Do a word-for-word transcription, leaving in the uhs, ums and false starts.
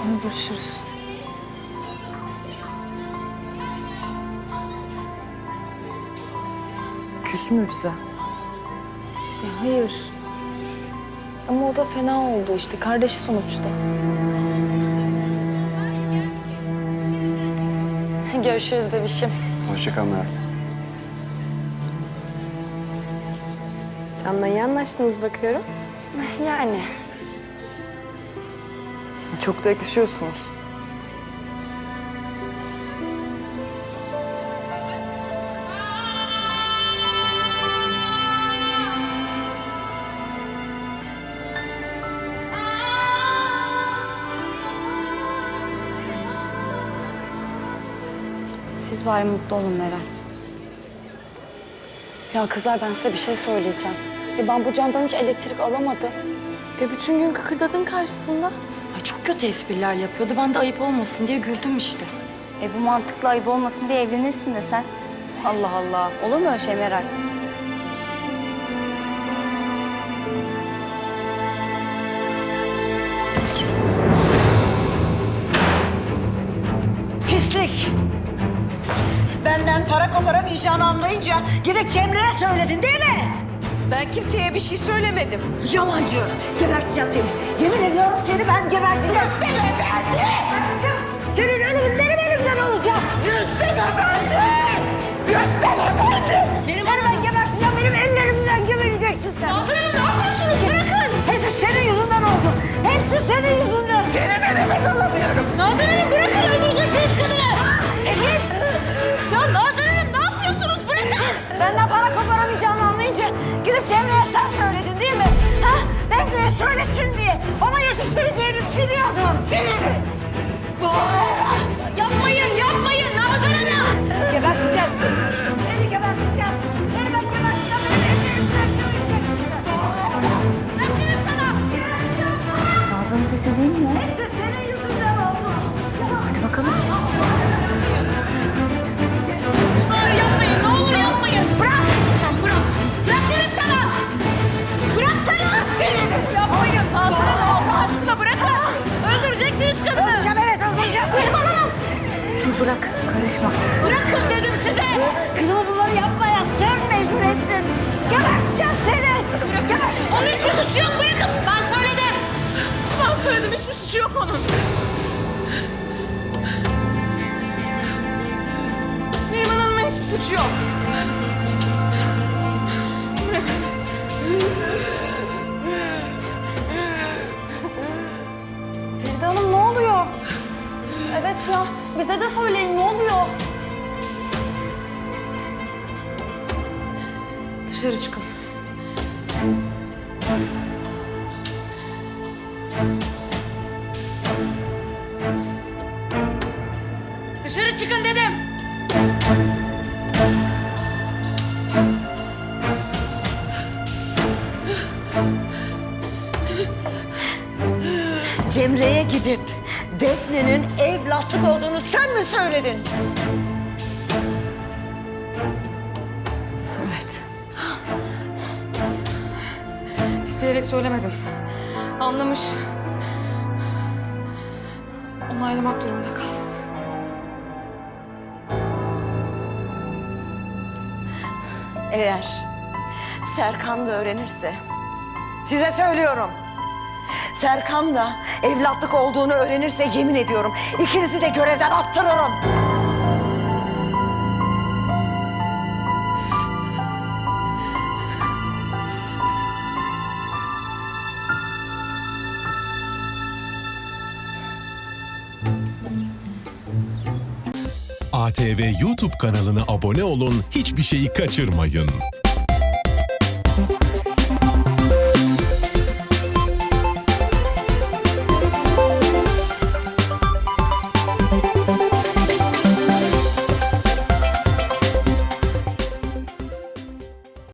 Tamam, görüşürüz. Küs mü bize? Ya hayır. Ama o da fena oldu işte. Kardeşi sonuçta. Görüşürüz bebişim. Hoşça kal Meral. Can'la iyi anlaştınız bakıyorum. Yani. Çok da yakışıyorsunuz. Siz bari mutlu olun Meral. Ya kızlar, ben size bir şey söyleyeceğim. Ya ben bu Can'dan hiç elektrik alamadım. E bütün gün kıkırdadın karşısında. Ay çok kötü espriler yapıyordu. Ben de ayıp olmasın diye güldüm işte. E bu mantıklı ayıp olmasın diye evlenirsin de sen. Allah Allah. Olur mu öyle şey Meral? Pislik! Benden para koparamayacağını anlayınca gidip Cemre'ye söyledin değil mi? Ben kimseye bir şey söylemedim. Yalancı! Geberteceğim seni. Yemin ediyorum seni ben geberteceğim. Rüstem Efendi! Senin ölümün benim elimden olacak. Rüstem Efendi! Rüstem Efendi! Seni ben geberteceğim. Benim ellerimden gebereceksin sen. Nazan Hanım, ne yapıyorsunuz? Bırakın! Hepsi senin yüzünden oldu. Hepsi senin yüzünden. Seni de nefes alamıyorum. Nazan Hanım, bırakın! Öldüreceksiniz kadını! Çekil! Ya Nazan Hanım, ne yapıyorsunuz? Bırakın! Benden para koparamayacağını anlayınca gidip Cemre'ye sen söyledin değil mi? Ha? Defne'ye söylesin diye. Ona yetiştireceğini biliyordun. Biliyordun. Yapmayın, yapmayın Nazan Hanım! Geberteceğim seni. Seni geberteceğim. Seni ben geberteceğim. Benim ellerimden göreceksin sen. Bırakırım sana. Geberteceğim. Nazan'ın sesi değil mi o? Hepsi senin yüzünden oldu. Hadi bakalım. Bari yapmayın, ne olur yapmayın! Bırak! Sen bırak! Bırak derim sana! Bırak sana! Yapmayın Nazan Hanım, Allah aşkına bırakın! Öldüreceksiniz kadını! Öldüreceğim, evet öldüreceğim. Dur bırak. Karışma. Bırakın dedim size! Kızımı bunları yapmaya sen mecbur ettin. Geberteceğim seni. Geberteceğim. Onun hiçbir suçu yok, bırakın! Ben söyledim! Ben söyledim, hiçbir suçu yok onun. Neriman Hanım'ın hiçbir suçu yok. Feride Hanım, ne oluyor? Evet ya, bize de söyleyin, ne oluyor? Dışarı çıkın. Dışarı çıkın dedim. Cemre'ye gidip Defne'nin evlatlık olduğunu sen mi söyledin? Evet. İsteyerek söylemedim. Anlamış. Onaylamak durumunda kaldım. Eğer Serkan da öğrenirse, size söylüyorum. Serkan da evlatlık olduğunu öğrenirse yemin ediyorum ikinizi de görevden attırırım. A T V YouTube kanalına abone olun, hiçbir şeyi kaçırmayın.